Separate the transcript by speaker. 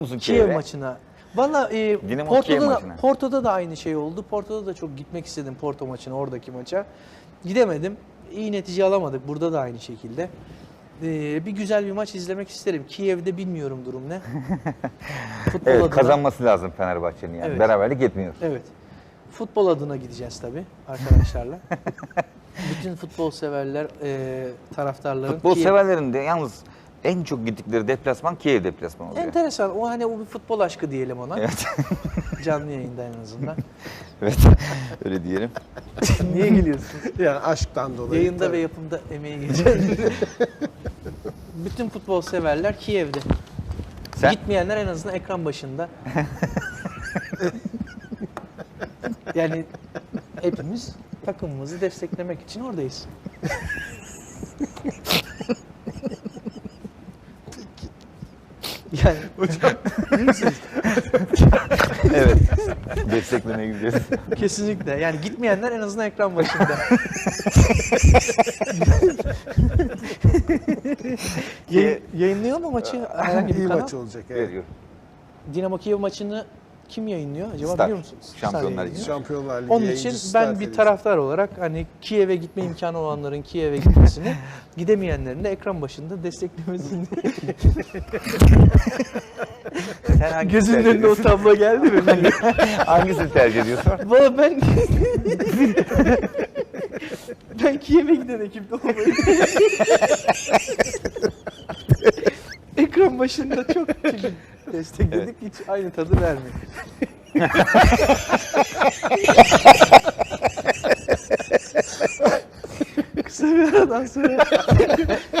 Speaker 1: musun
Speaker 2: Kiev
Speaker 1: Kiev'e?
Speaker 2: maçına. Valla
Speaker 1: Dinamo Kiev maçına.
Speaker 2: Porto'da da aynı şey oldu. Porto'da da çok gitmek istedim Porto maçına, oradaki maça. Gidemedim. İyi netice alamadık. Burada da aynı şekilde. Bir güzel bir maç izlemek isterim. Kiev'de bilmiyorum durum ne. Futbol
Speaker 1: Evet,
Speaker 2: adına,
Speaker 1: kazanması lazım Fenerbahçe'nin yani.
Speaker 2: Evet.
Speaker 1: Beraberlik yetmiyor.
Speaker 2: evet. Futbol adına gideceğiz tabii arkadaşlarla. Bütün futbol severler, taraftarların.
Speaker 1: Futbol
Speaker 2: Kiev-
Speaker 1: severlerin de yalnız en çok gittikleri deplasman Kiev deplasmanı oluyor.
Speaker 2: Enteresan. O hani o bir futbol aşkı diyelim ona.
Speaker 1: Evet.
Speaker 2: Canlı yayında en azından.
Speaker 1: Evet, öyle diyelim.
Speaker 2: Niye gülüyorsun?
Speaker 3: Yani aşktan dolayı.
Speaker 2: Yayında
Speaker 3: tabii.
Speaker 2: ve yapımda emeği geçen. Bütün futbol severler Kiev'de.
Speaker 1: Sen?
Speaker 2: Gitmeyenler en azından ekran başında. Yani hepimiz takımımızı desteklemek için oradayız. Yani
Speaker 1: Evet. Desteklemeye gidiyoruz.
Speaker 2: kesinlikle. Yani gitmeyenler en azından ekran başında. Yayınlıyor mu maçı herhangi bir
Speaker 3: İyi
Speaker 2: kanal?
Speaker 3: maç olacak. Evet.
Speaker 1: Veriyor.
Speaker 2: Dinamo Kiev maçını kim yayınlıyor acaba,
Speaker 1: Star.
Speaker 2: biliyor musunuz?
Speaker 1: Şampiyonlar
Speaker 2: Star
Speaker 1: Ligi.
Speaker 2: yayınlıyor.
Speaker 3: Şampiyonlar Ligi
Speaker 2: Onun için
Speaker 3: yayıncısı
Speaker 2: ben
Speaker 3: Star
Speaker 2: bir
Speaker 3: Televizyon.
Speaker 2: taraftar olarak hani Kiev'e gitme imkanı olanların Kiev'e gitmesini, gidemeyenlerin de ekran başında desteklemesini.
Speaker 1: Sen hangisini
Speaker 2: Gözünün
Speaker 1: tercih
Speaker 2: önüne o
Speaker 1: ediyorsun?
Speaker 2: tablo geldi mi?
Speaker 1: Hangisini tercih ediyorsun?
Speaker 2: Valla ben Kiev'e giden ekipte olmayı ekran başında çok çünkü destekledik, hiç aynı tadı vermiyor. Kısa bir aradan sonra